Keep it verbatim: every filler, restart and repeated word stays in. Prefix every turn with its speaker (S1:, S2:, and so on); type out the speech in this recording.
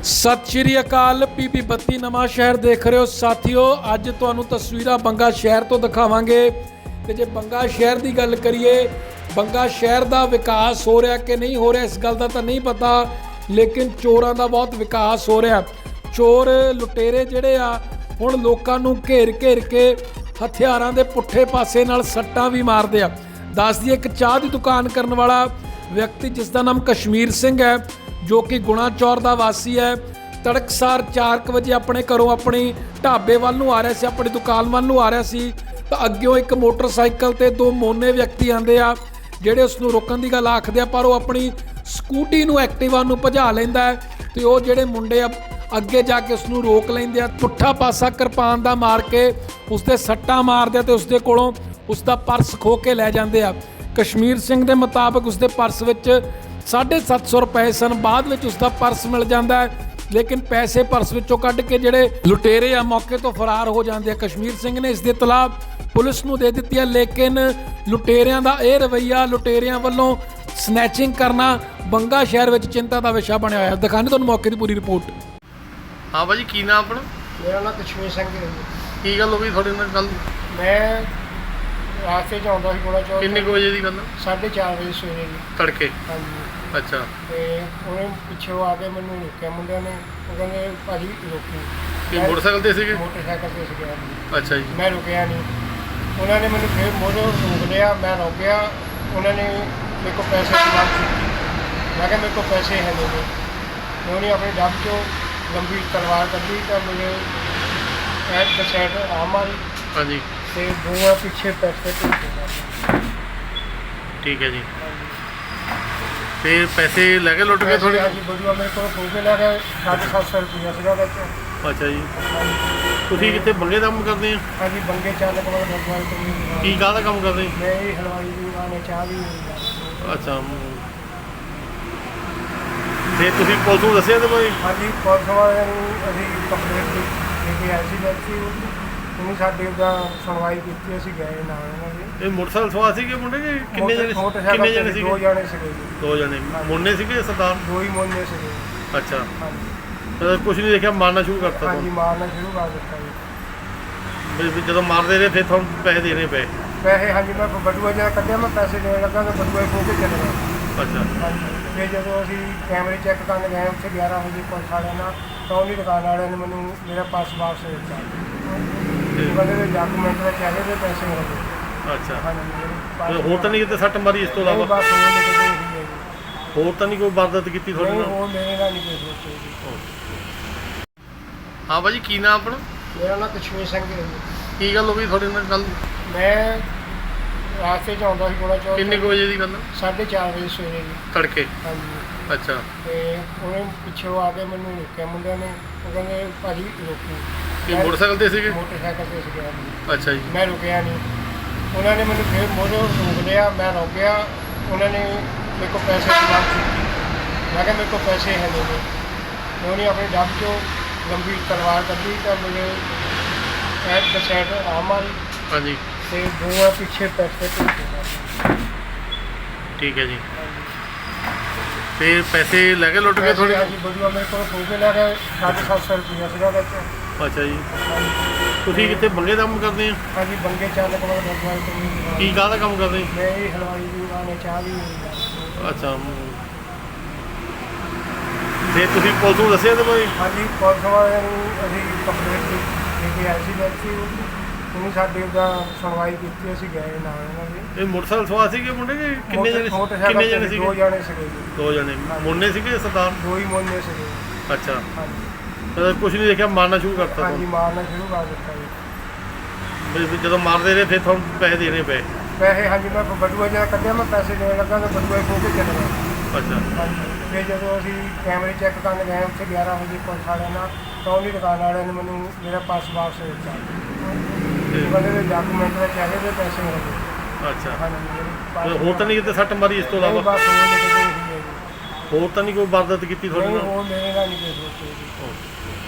S1: ਸਤਿ ਸ਼੍ਰੀ ਅਕਾਲ। ਪੀਪੀ ਬੱਤੀ ਨਵਾਂ ਸ਼ਹਿਰ ਦੇਖ ਰਹੇ ਹੋ ਸਾਥੀਓ। ਅੱਜ ਤੁਹਾਨੂੰ ਤਸਵੀਰਾਂ ਬੰਗਾ ਸ਼ਹਿਰ ਤੋਂ ਦਿਖਾਵਾਂਗੇ ਤੇ ਜੇ ਬੰਗਾ ਸ਼ਹਿਰ ਦੀ ਗੱਲ ਕਰੀਏ, ਬੰਗਾ ਸ਼ਹਿਰ ਦਾ ਵਿਕਾਸ ਹੋ ਰਿਹਾ ਕਿ ਨਹੀਂ ਹੋ ਰਿਹਾ ਇਸ ਗੱਲ ਦਾ ਤਾਂ ਨਹੀਂ ਪਤਾ, ਲੇਕਿਨ ਚੋਰਾਂ ਦਾ ਬਹੁਤ ਵਿਕਾਸ ਹੋ ਰਿਹਾ। ਚੋਰ ਲੁਟੇਰੇ ਜਿਹੜੇ ਆ ਹੁਣ ਲੋਕਾਂ ਨੂੰ ਘੇਰ ਘੇਰ ਕੇ ਹਥਿਆਰਾਂ ਦੇ ਪੁੱਠੇ ਪਾਸੇ ਨਾਲ ਸੱਟਾਂ ਵੀ ਮਾਰਦੇ ਆ। ਦੱਸ ਦਈਏ, ਇੱਕ ਚਾਹ ਦੀ ਦੁਕਾਨ ਕਰਨ ਵਾਲਾ ਵਿਅਕਤੀ ਜਿਸ ਦਾ ਨਾਮ ਕਸ਼ਮੀਰ ਸਿੰਘ ਹੈ, ਜੋ ਕਿ ਗੁਣਾ ਚੌਰ ਦਾ ਵਾਸੀ ਹੈ, ਤੜਕਸਾਰ ਚਾਰ ਕੁ ਵਜੇ ਆਪਣੇ ਘਰੋਂ ਆਪਣੀ ਢਾਬੇ ਵੱਲ ਨੂੰ ਆ ਰਿਹਾ ਸੀ, ਆਪਣੀ ਦੁਕਾਨ ਵੱਲ ਨੂੰ ਆ ਰਿਹਾ ਸੀ ਤਾਂ ਅੱਗਿਓਂ ਇੱਕ ਮੋਟਰਸਾਈਕਲ ਤੇ ਦੋ ਮੋਨੇ ਵਿਅਕਤੀ ਆਉਂਦੇ ਆ, ਜਿਹੜੇ ਉਸ ਨੂੰ ਰੋਕਣ ਦੀ ਗੱਲ ਆਖਦੇ ਆ, ਪਰ ਉਹ ਆਪਣੀ ਸਕੂਟੀ ਨੂੰ ਐਕਟਿਵਾ ਨੂੰ ਭਜਾ ਲੈਂਦਾ ਹੈ ਤੇ ਉਹ ਜਿਹੜੇ ਮੁੰਡੇ ਆ ਅੱਗੇ ਜਾ ਕੇ ਉਸ ਨੂੰ ਰੋਕ ਲੈਂਦੇ ਆ, ਪੁੱਠਾ ਪਾਸਾ ਕਿਰਪਾਨ ਦਾ ਮਾਰ ਕੇ ਉਸ ਦੇ ਸੱਟਾਂ ਮਾਰਦੇ ਆ ਤੇ ਉਸ ਦੇ ਕੋਲੋਂ ਉਸ ਦਾ ਪਰਸ ਖੋਹ ਕੇ ਲੈ ਜਾਂਦੇ ਆ। ਕਸ਼ਮੀਰ ਸਿੰਘ ਦੇ ਮੁਤਾਬਕ ਉਸ ਦੇ ਪਰਸ ਵਿੱਚ ਸਾਢੇ ਸੱਤ ਸੌ ਰੁਪਏ ਸਨ। ਬਾਅਦ ਵਿੱਚ ਉਸ ਦਾ ਪਰਸ ਮਿਲ ਜਾਂਦਾ ਹੈ, ਲੇਕਿਨ ਪੈਸੇ ਪਰਸ ਵਿੱਚੋਂ ਕੱਢ ਕੇ ਜਿਹੜੇ ਲੁਟੇਰੇ ਆ ਮੌਕੇ ਤੋਂ ਫਰਾਰ ਹੋ ਜਾਂਦੇ ਆ। ਕਸ਼ਮੀਰ ਸਿੰਘ ਨੇ ਇਸ ਦੀ ਇਤਲਾਹ ਪੁਲਿਸ ਨੂੰ ਦੇ ਦਿੱਤੀ ਹੈ, ਲੇਕਿਨ ਲੁਟੇਰਿਆਂ ਦਾ ਇਹ ਰਵੱਈਆ, ਲੁਟੇਰਿਆਂ ਵੱਲੋਂ ਸਨੈਚਿੰਗ ਕਰਨਾ ਬੰਗਾ ਸ਼ਹਿਰ ਵਿੱਚ ਚਿੰਤਾ ਦਾ ਵਿਸ਼ਾ ਬਣਿਆ ਹੋਇਆ। ਦਿਖਾਣੇ ਤੁਹਾਨੂੰ ਮੌਕੇ ਦੀ ਪੂਰੀ ਰਿਪੋਰਟ।
S2: हाँ भाजी, की नाम अपना?
S3: मेरा नाम कश्मीर सिंह है जी।
S2: की गल हो गई थोड़े नाल कल?
S3: मैं रास्ते च आਉਂਦਾ ਸੀ ਗੁਣਾ ਚੌਕ।
S2: किन्ने को बजे दी गल?
S3: साढ़े चार ਵਜੇ ਸਵੇਰੇ ਜੀ।
S2: तड़के?
S3: हाँ जी।
S2: अच्छा।
S3: ਤੇ ਉਹਨੇ ਪਿੱਛੋਂ ਆ ਕੇ ਮੈਨੂੰ ਰੋਕਿਆ ਮੁੰਡਿਆਂ ਨੇ। ਉਹ ਕਹਿੰਦੇ ਭਾਜੀ ਰੋਕੀ।
S2: ਕੀ ਮੋਟਰਸਾਈਕਲ ਤੇ ਸੀਗੇ?
S3: ਮੋਟਰਸਾਈਕਲ ਤੇ ਸੀਗੇ ਜੀ।
S2: ਅੱਛਾ ਜੀ।
S3: ਮੈਂ ਰੁਕਿਆ ਨਹੀਂ। ਉਹਨਾਂ ਨੇ ਮੈਨੂੰ ਫਿਰ ਮੋੜੋ ਰੋਕ ਲਿਆ। ਮੈਂ ਰੁਕਿਆ। ਉਹਨਾਂ ਨੇ ਮੇਰੇ ਕੋਲ ਪੈਸੇ ਦੀ ਮੰਗ ਕੀਤੀ। ਮੈਂ ਕਿਹਾ ਮੇਰੇ ਕੋਲ ਪੈਸੇ ਹੈ ਨਹੀਂ। ਉਹਨੇ ਆਪਣੇ ਡੱਬ ਚੋਂ ਲੰਬੀ ਤਲਵਾਰ ਕੱਢੀ ਤਾਂ ਮੇਰੇ ਐਟ ਦ ਸਾਈਡ ਆ ਮਾਰੀ।
S2: हाँ जी।
S3: ਤੇ ਦੋਵਾਂ ਪਿੱਛੇ ਪੈਸੇ ਭੇਜੇ।
S2: ठीक है जी। फिर पैसे लगे लुट गए थोड़े?
S3: ਹਾਂਜੀ ਬੜੂਆ ਮੇਰੇ ਕੋਲ ਖੋ ਕੇ ਲੈ ਗਏ ਸਾਢੇ ਸੱਤ ਸੌ ਰੁਪਇਆ ਸੀਗਾ ਵਿੱਚ।
S2: ਅੱਛਾ ਜੀ। ਤੁਸੀਂ ਕਿੱਥੇ ਬੰਗੇ ਦਾ ਕੰਮ ਕਰਦੇ ਆ?
S3: ਹਾਂਜੀ ਬੰਗੇ ਚਾਲਕ ਵਾਲਾ ਗੁਰਦੁਆਰੇ ਤੋਂ ਵੀ।
S2: ਕੀ ਕਾਹਦਾ ਕੰਮ ਕਰਦੇ?
S3: ਮੈਂ ਇਹ ਹਲਵਾਈ ਦੀ ਦੁਕਾਨ ਹੈ, ਚਾਹ ਵੀ ਹੈ।
S2: ਅੱਛਾ। ਤੇ ਤੁਸੀਂ ਪੁਲਿਸ ਨੂੰ ਦੱਸਿਆ ਤੇ ਭਾਈ?
S3: ਹਾਂਜੀ ਪੁਲਿਸ ਵਾਲਿਆਂ ਨੂੰ ਅਸੀਂ ਕੰਪਲੇਂਟ ਦੇ ਕੇ ਆਏ ਸੀ ਬੈਠੀ। ਉਹਨੇ ਸਾਡੇ ਦਾ ਸੁਣਵਾਈ ਕੀਤੀ, ਅਸੀਂ ਗਏ ਨਾਲ ਇਹਨਾਂ ਦੇ।
S2: ਇਹ ਮੋਟਰਸਾਈਕਲ ਸਵਾਰ ਸੀਗੇ ਮੁੰਡੇ ਕਿ ਕਿੰਨੇ ਜਣੇ?
S3: ਮੋਟਰਸਾਈਕਲ
S2: ਕਿੰਨੇ ਜਣੇ
S3: ਤੇ
S2: ਸੀਗੇ?
S3: ਦੋ ਜਣੇ ਸੀਗੇ ਜੀ।
S2: ਦੋ ਜਣੇ ਮੁੰਨੇ ਸੀਗੇ ਸਰਦਾਰ?
S3: ਦੋ ਹੀ ਮੋਨੇ ਸੀਗੇ।
S2: ਅੱਛਾ।
S3: ਹਾਂਜੀ
S2: ਕੁਝ ਨਹੀਂ ਦੇਖਿਆ, ਮਾਰਨਾ ਸ਼ੁਰੂ ਕਰਤਾ
S3: ਹਾਂਜੀ
S2: ਤੁਹਾਨੂੰ?
S3: ਮਾਰਨਾ ਸ਼ੁਰੂ ਕਰ ਦਿੱਤਾ ਜੀ।
S2: ਵੀ- ਵੀ ਜਦੋਂ ਮਾਰਦੇ ਰਹੇ ਫਿਰ ਤੁਹਾਨੂੰ ਪੈਸੇ ਦੇਣੇ ਪਏ?
S3: ਪੈਸੇ ਹਾਂਜੀ ਮੈਂ ਬਟੂਆ ਜਿਹਾ ਕੱਢਿਆ, ਮੈਂ ਪੈਸੇ ਦੇਣ ਲੱਗਾ ਤਾਂ ਬਟੂਆ ਖੋ ਕੇ ਚਲੇ ਗਿਆ।
S2: ਅੱਛਾ।
S3: ਹਾਂਜੀ ਫਿਰ ਜਦੋਂ ਅਸੀਂ ਕੈਮਰੇ ਚੈੱਕ ਕਰਨ ਗਏ ਉੱਥੇ ਗਿਆਰਾਂ ਵਜੇ ਪੁਲਿਸ ਵਾਲਿਆਂ ਨਾਲ, ਤਾਂ ਉਹਦੀ ਦੁਕਾਨ ਵਾਲਿਆਂ ਨੇ ਮੈਨੂੰ ਮੇਰਾ ਪਰਸ ਵਾਪਸ ਦੇ ਦਿੱਤਾ। ਉਹ ਕਹਿੰਦੇ ਵੀ ਡਾਕੂਮੈਂਟ ਵਿੱਚ ਚਾਹੀਦੇ ਤੇ ਪੈਸੇ ਮਿਲਦੇ।
S2: ਅੱਛਾ।
S3: ਹਾਂਜੀ
S2: ਤੇ ਹੋਰ ਤਾਂ ਨਹੀਂ ਕਿਤੇ ਸੱਟ ਮਾਰੀ ਇਸ ਤੋਂ
S3: ਨਹੀਂ,
S2: ਇਲਾਵਾ?
S3: ਬਸ ਉਹ ਨਿਕਲ ਗਈ ਹੈ ਜੀ।
S2: ਹੋਰ ਤਾਂ ਨਹੀਂ ਕੋਈ ਵਾਰਦਾਤ ਕੀਤੀ ਤੁਹਾਡੇ
S3: ਨਹੀਂ,
S2: ਨਾਲ?
S3: ਉਹ ਮੇਰੇ ਨਾਲ ਨਹੀਂ ਕੋਈ ਸੋਚੇ ਜੀ।
S2: ਹਾਂ ਭਾਜੀ, ਕੀ ਨਾਮ ਆਪਣਾ?
S3: ਮੇਰਾ ਨਾਮ ਕਸ਼ਮੀਰ ਸਿੰਘ ਹੈ ਜੀ।
S2: ਕੀ ਗੱਲ ਹੋ ਗਈ ਤੁਹਾਡੇ ਨਾਲ ਕੱਲ?
S3: ਮੈਂ ਰਾਸਤੇ 'ਚ ਆਉਂਦਾ ਸੀ ਗੁਣਾ ਚੌਕ।
S2: ਕਿੰਨੇ ਕੁ ਵਜੇ ਦੀ ਗੱਲ?
S3: ਸਾਢੇ ਚਾਰ ਵਜੇ ਸਵੇਰੇ ਜੀ।
S2: ਤੜਕੇ?
S3: ਹਾਂਜੀ।
S2: ਅੱਛਾ।
S3: ਤੇ ਉਹਨੇ ਪਿੱਛੋਂ ਆ ਕੇ ਮੈਨੂੰ ਰੋਕਿਆ ਮੁੰਡਿਆਂ ਨੇ। ਉਹ ਕਹਿੰਦੇ ਭਾਜੀ ਰੋਕੀ।
S2: ਕੀ ਮੋਟਰਸਾਈਕਲ ਤੇ ਸੀਗੇ?
S3: ਮੋਟਰਸਾਈਕਲ ਤੇ ਸੀਗੇ ਜੀ।
S2: ਅੱਛਾ ਜੀ।
S3: ਮੈਂ ਰੁਕਿਆ ਨਹੀਂ। ਉਹਨਾਂ ਨੇ ਮੈਨੂੰ ਫਿਰ ਮੋੜੋ ਰੋਕ ਲਿਆ। ਮੈਂ ਰੁਕਿਆ। ਉਹਨਾਂ ਨੇ ਮੇਰੇ ਕੋਲ ਪੈਸੇ ਦੀ ਮੰਗ ਕੀਤੀ। ਮੈਂ ਕਿਹਾ ਮੇਰੇ ਕੋਲ ਪੈਸੇ ਹੈ ਨਹੀਂ। ਉਹਨੇ ਆਪਣੇ ਡੱਬ ਚੋਂ ਲੰਬੀ ਤਲਵਾਰ ਕੱਢੀ ਤਾਂ ਮੇਰੇ ਐਟ ਦ ਸਾਈਡ ਆ ਮਾਰੀ।
S2: हाँ जी।
S3: ਤੇ ਦੋਵਾਂ ਪਿੱਛੇ ਪੈਸੇ ਭੇਜੇ।
S2: ठीक है जी। फिर पैसे लगे लुट गए थोड़े?
S3: ਹਾਂਜੀ ਬੜੂਆ ਮੇਰੇ ਕੋਲ ਖੋ ਕੇ ਲੈ ਗਏ ਸਾਢੇ ਸੱਤ ਸੌ ਰੁਪਇਆ ਸੀਗਾ ਵਿੱਚ।
S2: ਅੱਛਾ ਜੀ। ਤੁਸੀਂ ਕਿੱਥੇ ਬੰਗੇ ਦਾ ਕੰਮ ਕਰਦੇ ਆ?
S3: ਹਾਂਜੀ ਬੰਗੇ ਚਾਲਕ ਵਾਲਾ ਗੁਰਦੁਆਰੇ ਤੋਂ ਵੀ।
S2: ਕੀ ਕਾਹਦਾ ਕੰਮ ਕਰਦੇ?
S3: ਮੈਂ ਇਹ ਹਲਵਾਈ ਦੀ ਦੁਕਾਨ ਹੈ, ਚਾਹ ਵੀ ਹੈ।
S2: ਅੱਛਾ। ਤੇ ਤੁਸੀਂ ਪੁਲਿਸ ਨੂੰ ਦੱਸਿਆ ਤੇ ਭਾਈ?
S3: ਹਾਂਜੀ ਪੁਲਿਸ ਵਾਲਿਆਂ ਨੂੰ ਅਸੀਂ ਕੰਪਲੇਂਟ ਦੇ ਕੇ ਆਏ ਸੀ ਬੈਠੀ। ਉਹਨੇ ਸਾਡੇ ਦਾ ਸੁਣਵਾਈ ਕੀਤੀ, ਅਸੀਂ ਗਏ ਨਾਲ ਇਹਨਾਂ ਦੇ।
S2: ਇਹ ਮੋਟਰਸਾਈਕਲ ਸਵਾਰ ਸੀਗੇ ਮੁੰਡੇ ਕਿ ਕਿੰਨੇ ਜਣੇ?
S3: ਮੋਟਰਸਾਈਕਲ
S2: ਕਿੰਨੇ
S3: ਤੇ
S2: ਜਣੇ
S3: ਦੋ
S2: ਸੀਗੇ?
S3: ਜਣੇ ਸੀਗੇ ਜੀ।
S2: ਦੋ ਜਣੇ ਮੁੰਨੇ ਸੀਗੇ ਸਰਦਾਰ?
S3: ਦੋ ਹੀ ਮੋਨੇ ਸੀਗੇ।
S2: ਅੱਛਾ।
S3: ਹਾਂਜੀ
S2: ਕੁਝ ਨਹੀਂ ਦੇਖਿਆ, ਮਾਰਨਾ ਸ਼ੁਰੂ ਕਰਤਾ
S3: ਹਾਂਜੀ
S2: ਤੁਹਾਨੂੰ?
S3: ਮਾਰਨਾ ਸ਼ੁਰੂ ਕਰ ਦਿੱਤਾ ਜੀ।
S2: ਵੀ- ਵੀ ਜਦੋਂ ਮਾਰਦੇ ਰਹੇ ਫਿਰ ਤੁਹਾਨੂੰ ਪੈਸੇ ਦੇਣੇ ਪਏ?
S3: ਪੈਸੇ ਹਾਂਜੀ ਮੈਂ ਬਟੂਆ ਜਿਹਾ ਕੱਢਿਆ, ਮੈਂ ਪੈਸੇ ਦੇਣ ਲੱਗਾ ਤਾਂ ਬਟੂਆ ਖੋ ਕੇ ਚਲੇ ਗਿਆ।
S2: ਅੱਛਾ।
S3: ਹਾਂਜੀ ਫਿਰ ਜਦੋਂ ਅਸੀਂ ਕੈਮਰੇ ਚੈੱਕ ਕਰਨ ਗਏ ਉੱਥੇ ਗਿਆਰਾਂ ਵਜੇ ਪੁਲਿਸ ਵਾਲਿਆਂ ਨਾਲ, ਤਾਂ ਉਹਦੀ ਦੁਕਾਨ ਵਾਲਿਆਂ ਨੇ ਮੈਨੂੰ ਮੇਰਾ ਪਰਸ ਵਾਪਸ ਦੇ ਦਿੱਤਾ। ਉਹ ਕਹਿੰਦੇ ਵੀ ਡਾਕੂਮੈਂਟ ਵਿੱਚ ਚਾਹੀਦੇ ਤੇ ਪੈਸੇ ਮਿਲਦੇ।
S2: ਅੱਛਾ।
S3: ਹਾਂਜੀ
S2: ਹੋਰ ਤਾਂ ਨਹੀਂ ਕਿਤੇ ਸੱਟ ਮਾਰੀ ਇਸ ਤੋਂ
S3: ਨਹੀਂ,
S2: ਇਲਾਵਾ?
S3: ਬਸ ਉਹ ਨਿਕਲ ਗਈ ਹੈ ਜੀ।
S2: ਹੋਰ ਤਾਂ ਨਹੀਂ ਕੋਈ ਵਾਰਦਾਤ ਕੀਤੀ ਤੁਹਾਡੇ
S3: ਨਹੀਂ,
S2: ਨਾਲ?
S3: ਉਹ ਮੇਰੇ ਨਾਲ ਨਹੀਂ ਕੋਈ ਸੋਚੇ ਜੀ।